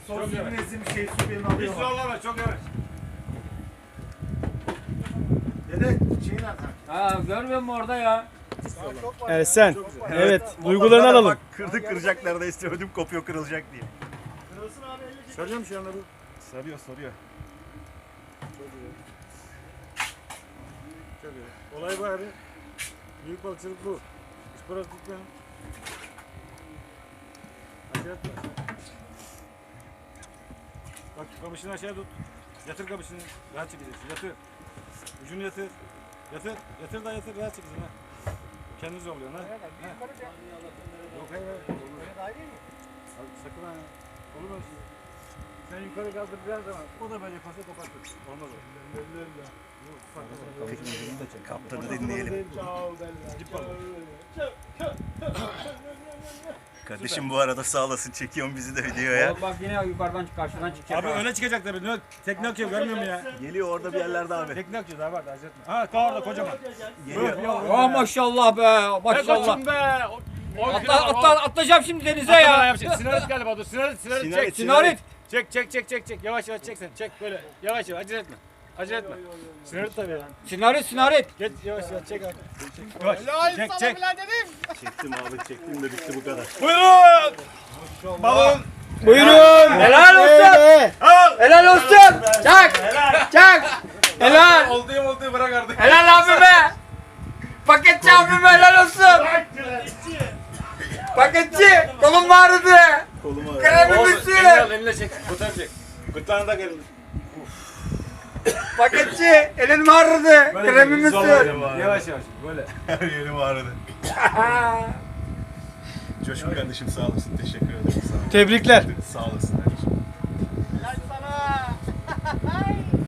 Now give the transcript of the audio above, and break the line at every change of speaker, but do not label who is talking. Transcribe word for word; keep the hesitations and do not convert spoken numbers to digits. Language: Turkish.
Son zimnezim şey su benim
Hiç
alıyor.
zorlama, çok yavaş.
Dede şeyin nerede?
Ha görmüyor musun orada ya?
Evet sen. Evet. Duygularını alalım.
Bak kırdık kıracak neredeyse ödüm kopuyor kırılacak diye.
Kırılsın abi elle çek.
Sarıyor mu şu anda bu?
Sarıyor sarıyor.
Çok iyi. Olay bu abi. Büyük balıkçılık bu. İspora tutmayalım. Aşağı tut. Bak kamışını aşağı tut. Yatır kamışını. Rahat çekeceksin. Yatır. Ucunu yatır. Yatır. Yatır da yatır. Rahat çekeceksin ha. Kendini zorluyorsun ha. ha. Yok hayır hayır. Abi, sakın ha. Olur mu? Sen yukarı kaldıracağın zaman o da böyle kasa kopartır. Olmaz o.
Kaptanı dinleyelim. Kardeşim bu arada sağ olasın çekiyorsun bizi de videoya.
Oğlum bak yine yukarıdan karşıdan çıkacak.
Abi
ha.
öne çıkacak tabii. Ne? Tekne akıyor görmüyor musun ya?
Geliyor orada bir yerlerde abi.
Tekne akıyor daha var da acele etme. Ha kar orada kocaman.
Geliyor.
Oh maşallah be maşallah.
Koçum be.
Atla, atla, atlayacağım şimdi denize ya.
Sinarit galiba dur. Sinarit, sinarit,
Sinarit,
çek.
Sinarit.
Çek, çek, çek, çek, çek. Yavaş yavaş çek sen. Çek böyle. Yavaş yavaş acele etme. Acele etme. Sinarit tabii ya.
Sinarit sinarit.
Geç yavaş yavaş çek abi. Yavaş. Çek, çek.
Çektim abi çektim de bitti bu kadar.
Buyurun. Balon.
Buyurun.
Helal olsun.
Evet.
Helal olsun. Çak. Çak. Helal.
Oldu ya oldu bırak artık.
Helal abime. Paketçi abime helal olsun. Paketçi. Kolum ağrıdı.
Kolumu ağrıyor.
Kremimizi.
Elini al, eline çek. Kurtar çek. Kurtarını da gelin.
Paketçi. Elin mi ağrıdı? Kremimi sür.
Yavaş yavaş. Böyle.
Her yerim ağrıdı. Coşkun kardeşim sağ olasın. Teşekkür ederim. Sağ,
Tebrikler.
sağ olasın.